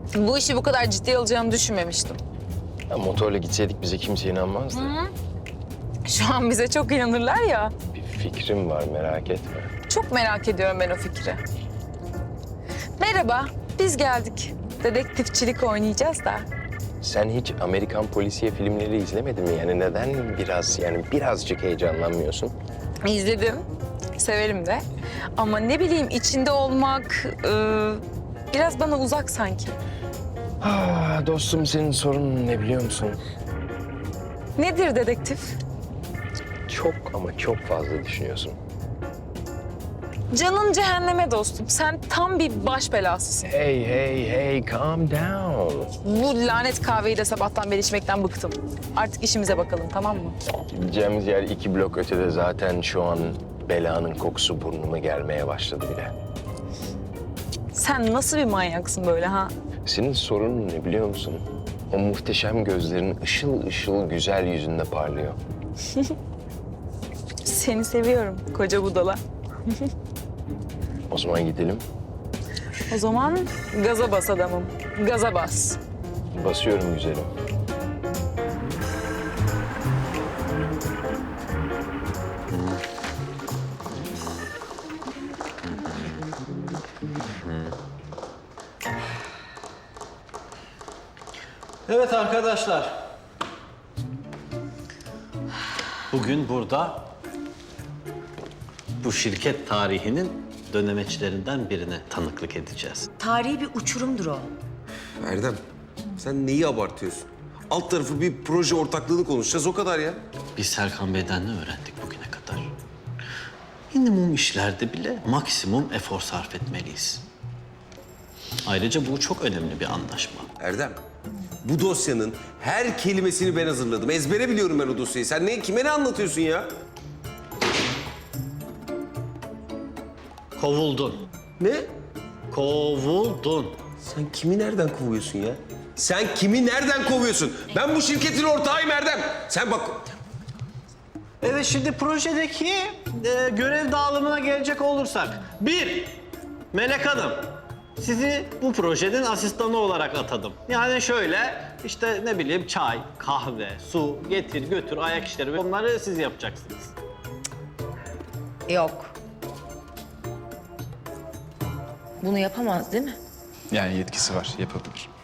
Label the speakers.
Speaker 1: Bu işi bu kadar ciddiye alacağını düşünmemiştim.
Speaker 2: Ya motorla gitseydik bize kimse inanmazdı.
Speaker 1: Şu an bize çok inanırlar ya.
Speaker 2: Bir fikrim var, merak etme.
Speaker 1: Çok merak ediyorum ben o fikri. Merhaba, biz geldik. Dedektifçilik oynayacağız da.
Speaker 2: Sen hiç Amerikan polisiye filmleri izlemedin mi? Yani neden birazcık heyecanlanmıyorsun?
Speaker 1: İzledim, severim de. Ama ne bileyim içinde olmak biraz bana uzak sanki.
Speaker 2: Ah, dostum senin sorunun ne biliyor musun?
Speaker 1: Nedir dedektif?
Speaker 2: Çok ama çok fazla düşünüyorsun.
Speaker 1: Canın cehenneme dostum. Sen tam bir baş belasısın.
Speaker 2: Hey, calm down.
Speaker 1: Bu lanet kahveyi de sabahtan beri içmekten bıktım. Artık işimize bakalım, tamam mı?
Speaker 2: Gideceğimiz yer 2 blok ötede zaten şu an belanın kokusu burnuma gelmeye başladı bile.
Speaker 1: Sen nasıl bir manyaksın böyle ha?
Speaker 2: Senin sorunun ne biliyor musun? O muhteşem gözlerin ışıl ışıl güzel yüzünde parlıyor.
Speaker 1: Seni seviyorum koca budala.
Speaker 2: O zaman gidelim.
Speaker 1: O zaman gaza bas adamım. Gaza bas.
Speaker 2: Basıyorum güzelim.
Speaker 3: Evet arkadaşlar. Bugün burada bu şirket tarihinin dönemeçlerinden birine tanıklık edeceğiz.
Speaker 4: Tarihi bir uçurumdur o.
Speaker 5: Erdem, sen neyi abartıyorsun? Alt tarafı bir proje ortaklığını konuşacağız, o kadar ya.
Speaker 3: Biz Serkan Bey'den ne öğrendik bugüne kadar? Minimum işlerde bile maksimum efor sarf etmeliyiz. Ayrıca bu çok önemli bir anlaşma.
Speaker 5: Erdem, bu dosyanın her kelimesini ben hazırladım. Ezbere biliyorum ben o dosyayı. Sen kime ne anlatıyorsun ya?
Speaker 3: Kovuldun.
Speaker 5: Ne?
Speaker 3: Kovuldun.
Speaker 5: Sen kimi nereden kovuyorsun ya? Sen kimi nereden kovuyorsun? Ben bu şirketin ortağıyım Erdem. Sen bak...
Speaker 3: Evet, şimdi projedeki görev dağılımına gelecek olursak. 1. Melek Hanım. Sizi bu projenin asistanı olarak atadım. Yani şöyle, işte ne bileyim çay, kahve, su, getir götür, ayak işleri, onları siz yapacaksınız.
Speaker 4: Yok. Bunu yapamaz değil mi?
Speaker 6: Yani yetkisi var, yapabilir.